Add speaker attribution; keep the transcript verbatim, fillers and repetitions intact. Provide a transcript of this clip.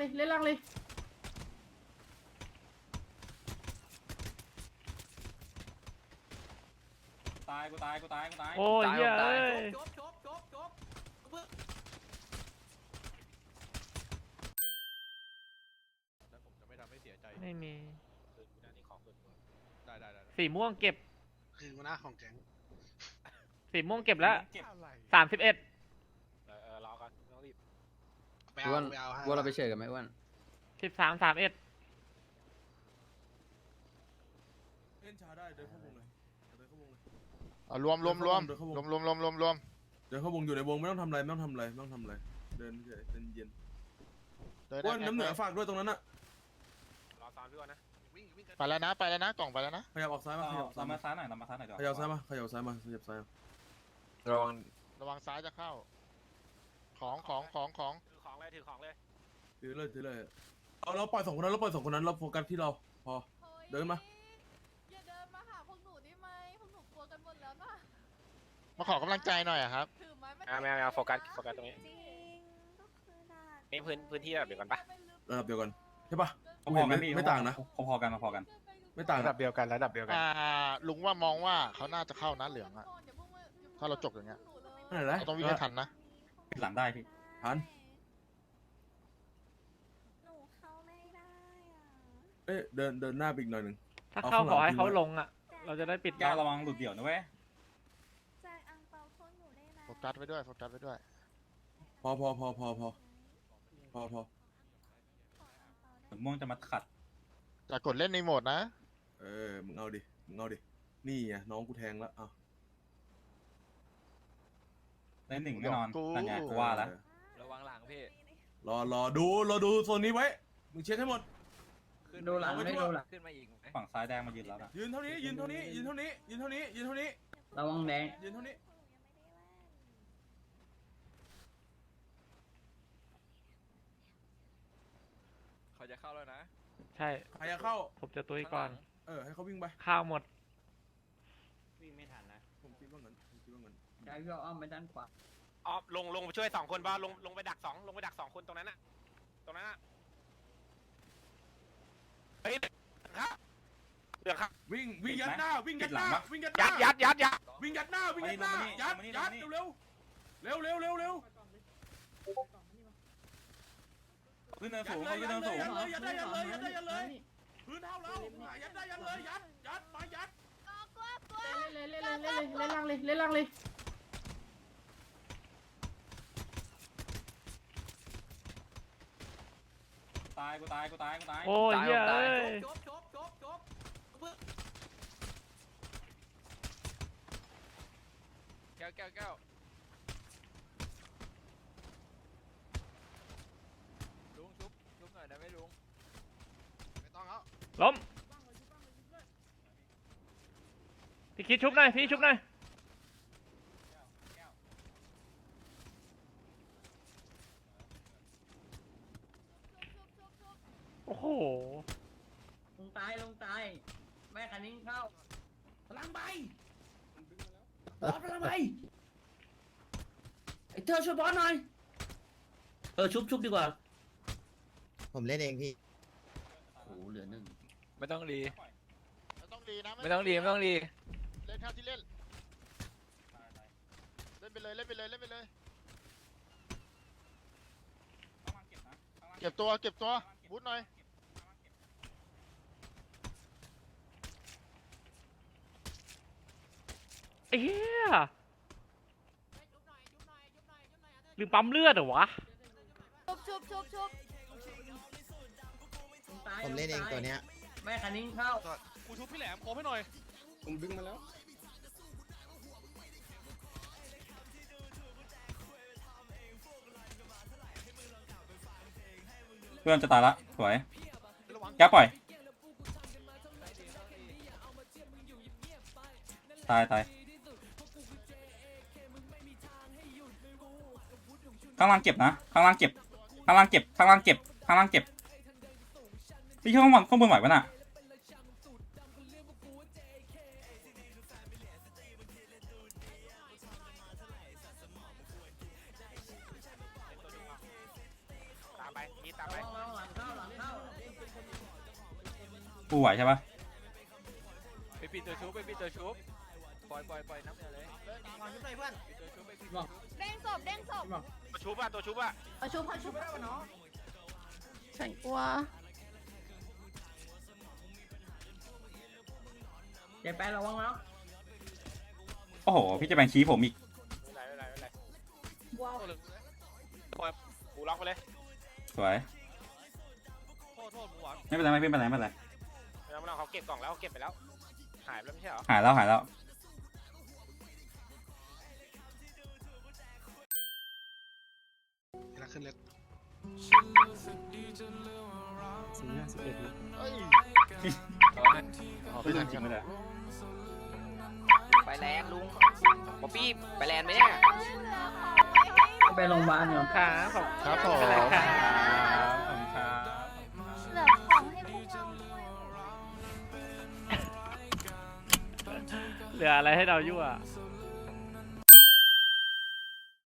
Speaker 1: เลยเล่นล่างเลย
Speaker 2: ตายกูตายกูตายกูตาย
Speaker 3: โอ้ยเหี้ยเอ้ย
Speaker 4: จบจบจบจบ
Speaker 5: แล้วผมจะไม่ทำให้เสียใจ
Speaker 3: ไม่มี
Speaker 5: ได้ได้ได้
Speaker 3: สีม่วงเก็บ
Speaker 6: คือหัวหน้าของแก๊ง
Speaker 3: สีม่วงเก็บแล้ว
Speaker 2: เก็บ
Speaker 5: อะไร
Speaker 3: สามสิบเอ็ด
Speaker 5: เออเออรอก่อนไม่ต้องรีบ
Speaker 6: ไปเอา
Speaker 7: อ้วน
Speaker 6: ไปเอาให้
Speaker 7: ว่าเราไปเฉยกันไหมอ้วน
Speaker 3: สิบสามสามเอ็ด
Speaker 8: เล่นช้าได้เดินเข้าวงเลยเดินเข้าวงเลย
Speaker 5: เอารวมรวมรวม
Speaker 8: เดินเข้าวง
Speaker 5: รวมรวมรวมรวมรวม
Speaker 8: เดินเข้าวงอยู่ในวงไม่ต้องทำอะไรไม่ต้องทำอะไรไม่ต้องทำอะไรเดินเฉยเดินเย็น
Speaker 5: เดิน
Speaker 8: อ้วนน้ำเหนือฝากด้วยตรงนั้นน่ะ
Speaker 5: รอตามพี่ก่อนนะวิ่งวิ่งไปแล้วนะไปแล้วนะกล่องไปแล้วนะ
Speaker 8: ขยับออกซ้ายมาขยับซ้า
Speaker 2: ตาย ม
Speaker 8: มา
Speaker 2: มาซ้ายหน่อยตามมาซ้ายหน่อยเดี๋ยว
Speaker 8: ขยับซ้ายมาขยับซ้ายมาขยับซ้ายมา
Speaker 5: ระวังระวังซ้ายจะเข้า ของของของของถือของเลยถือของเลย
Speaker 8: ถือเลยถือเลยเอาเราปล่อยสองคนนั้นเราปล่อยสองคนนั้นเราโฟกัสที่เราพอ เดินมา
Speaker 1: อย่าเดินมาหาพวกหนูได้ไหมพวกหนูกลัวกันหมดแล้วนะ
Speaker 5: มาขอกำลังใจหน่อยอะครับ
Speaker 1: ถือไม้
Speaker 9: อ่าไม่เอาไม่เอาโฟกัสโฟกัสตรงนี้
Speaker 1: จริงก็คือด่า
Speaker 9: นี่พื้นพื้นที่แบบเดียวกันปะ
Speaker 8: ระดับเดียวกันใช่ปะ
Speaker 2: พอๆกันพี่
Speaker 8: ไม่ต่างนะ
Speaker 2: พอๆกันพอๆกัน
Speaker 8: ไม่ต่าง
Speaker 9: ระดับเดียวกันระดับเดียวกัน
Speaker 5: อ่าลุงว่ามองว่าเขาน่าจะเข้านะเหลืองอะ ถ้าเราจบอย่างเงี้ย
Speaker 8: นั่นแหละ
Speaker 5: เราต้องวิ่งให้ทันนะ
Speaker 2: ปิดหลังได้พี่
Speaker 8: ทัน
Speaker 1: หนูเข้าไม่ได้อ่ะ
Speaker 8: เอ้ยเดินเดินหน้าไปอีกหน่อยหนึ่ง
Speaker 3: ถ้า
Speaker 8: เอา
Speaker 3: เข้า
Speaker 8: ข้างหลัง
Speaker 3: ขอให้
Speaker 8: ทิ้ง
Speaker 3: เขา
Speaker 8: ไว้
Speaker 3: ลงอ่ะ เราจะได้ปิด
Speaker 2: แก้วระวังหลุดเดี่ยวนะเว้ย
Speaker 1: ใจอังเปาพวกหนูได้นะ
Speaker 5: โฟกัสไว้ด้วยโฟกัสไว้ด้วย
Speaker 8: พอพอพอพอพอพอพอ
Speaker 2: เหมือนม่วงจะมาขัด
Speaker 5: จะกดเล่นในโหมดนะ
Speaker 8: เออมึงเอาดิมึงเอาดินี่ไงน้องกูแทงแล้วอ่ะ
Speaker 2: ได้หนึ่งแน่นอน
Speaker 5: กู
Speaker 2: นั่นไงกูว่าแล้ว
Speaker 9: ระวังหลังพี่
Speaker 8: รอรอดูรอดูโซนนี้ไว้มึงเช็คให้หมด
Speaker 9: ดูหลังไม่ดูหลังขึ้นมาอีก
Speaker 2: ฝั่งซ้ายแดงมายืนแล้วนะ
Speaker 8: ยืนเท่านี้ยืนเท่านี้ยืนเท่านี้ยืนเท่านี้ยืนเท่านี้
Speaker 7: ระวังแดง
Speaker 8: ยืนเท่านี้
Speaker 9: เขาจะเข้าแล้วนะ
Speaker 3: ใช่
Speaker 8: ใครจะเข้า
Speaker 3: ผมจะตุ้ยก่อน
Speaker 8: เออให้เขาวิ่งไป
Speaker 3: ข้าวหมด
Speaker 7: วิ่งไม่ทันนะ
Speaker 8: ผมคิดว่างั้นผมคิดว่างั้น
Speaker 7: ได้ก็อ้อมไปด้านขวา
Speaker 9: อ๋อลงลงไปช่วยสองคนบ้าลงลงไปดักสองลงไปดักสองคนตรงนั้นน่ะตรงนั้นน่ะเฮ้ยครับเดือดครับ
Speaker 8: วิ่งวิ่งยัดหน้าวิ่งยัดหน้าวิ่งยัดห
Speaker 9: ยั
Speaker 8: น้า
Speaker 9: ดยัดยัดยัด
Speaker 8: วิ่งยัดหน้าวิ่งยัดหน้ายัดยัดเร็วเร็วเร็วเร็วเร็ว
Speaker 2: ขึ้นเนิน
Speaker 8: ยั
Speaker 2: สู
Speaker 8: ด
Speaker 2: ง
Speaker 8: เลย
Speaker 2: ขึ้น
Speaker 8: ยั
Speaker 2: เนิ
Speaker 8: ด
Speaker 2: น
Speaker 8: เล
Speaker 2: สู
Speaker 8: ย
Speaker 2: ง
Speaker 8: ยัดเลยยัดได้ยัดเลยยัดได้ยัดเลยพื้นเท่าเรายัดได้ยัดเลยยัดยัดมายัด
Speaker 1: เล่นเลยเล่นเลยเล่นเลยเล่นล่างเลยเล่นล่างเลย
Speaker 2: ตายกูตายกูตายกูตาย
Speaker 3: โอ้ยเหี้ยเอ้ย
Speaker 4: จบจบจบจบ
Speaker 9: แก้วแก้วแก้ว ลุงชุบชุบหน่อยได้ไหมลุง
Speaker 5: ไม่ต้องแล้ว
Speaker 3: ล้มพี่คิดชุบหน่อยพี่ชุบหน่อยโอ้โห
Speaker 7: ลงตายลงตายแม่คันนิ้งเข้าพลังใบบอสพลังใบไอ้เธอช่วยบอสหน่อยเออชุบชุบดีกว่า
Speaker 6: ผมเล่นเองพี่
Speaker 7: โอ้โหเหลือหนึ่ง
Speaker 9: ไม่ต้องรี
Speaker 5: ไม่ต้องดีนะ
Speaker 9: ไม่ต้องรีไม่ต้องรี
Speaker 5: เล่นเท่าที่เล่นเล่นไปเลยเล่นไปเลยเล่นไปเลย เก็บตัวเก็บตัวบูทหน่อย
Speaker 3: ไอ้เหี้ยหรือปั๊มเลือดเหรอวะ
Speaker 1: ชุบชุบชุบชุบ
Speaker 7: ลงตาย
Speaker 6: ผมเล่นเองตัวเนี้ย
Speaker 7: แม่คันนิ้งเข้า
Speaker 5: กูชุบพี่แหลมขอให้หน่อย
Speaker 7: ผมดึงมาแล้ว
Speaker 2: เพื่อนจะตายละสวยแก้วปล่อยตายตายข้างล่างเก็บนะข้างล่างเก็บข้างล่างเก็บข้างล่างเก็บข้างล่างเก็บพี่ช่วยข้างบนข้างบนไหวปะน่ะ
Speaker 9: ตามไปนี่ตามไป
Speaker 7: ระวังหลังเข้าหลังเข้า
Speaker 2: กูไหวใช่ปะ
Speaker 9: ไปปิดตัวชุบไปปิดตัวชุบปล่อยปล่อยปล่อยน้ำเลย
Speaker 4: วางชุดเลยเพื่อน
Speaker 9: ปิดตัวชุบไปปิด
Speaker 1: เด้งศพเด้งศพ
Speaker 9: ตัวชุบอ่ะตัวชุบอ่ะ
Speaker 1: เอาชุบเอาชุบฉันกลัว
Speaker 7: เดี๋ยวไประวังแล้ว
Speaker 2: โอ้โหพี่จะแบ่งชี้ผมอีก
Speaker 9: ไม่ไรไม่ไรไม่ไร
Speaker 1: ว้าว
Speaker 9: ปล่อยกูล็อกไปเลย
Speaker 2: สวย
Speaker 9: โทษโทษหมูหวัง
Speaker 2: ไม่เป็นไรไม่เป็นไรไม่เป็นไร
Speaker 9: ไม่ต้องไม่ต้องเขาเก็บกล่องแล้วเขาเก็บไปแล้วหายไปแล้วไม่ใช่เหรอ
Speaker 2: หายแล้วหายแล้ว
Speaker 6: เวลาขึ้นเล็ก
Speaker 5: เฮ้ย
Speaker 2: ไม่ทันจริงเลย
Speaker 10: ไปแลนด์ลุงป๊อปปี้ไปแลนด์ไหมเนี่ย
Speaker 7: ไปโรงพยาบาลก่อน
Speaker 3: ครับขอบ
Speaker 5: ครับผม
Speaker 3: เป็นไรครับ
Speaker 2: ขอบคุณครับ
Speaker 1: เหลือของให้พวกเราด้วย
Speaker 3: เหลืออะไรให้เรายั่ว
Speaker 1: เ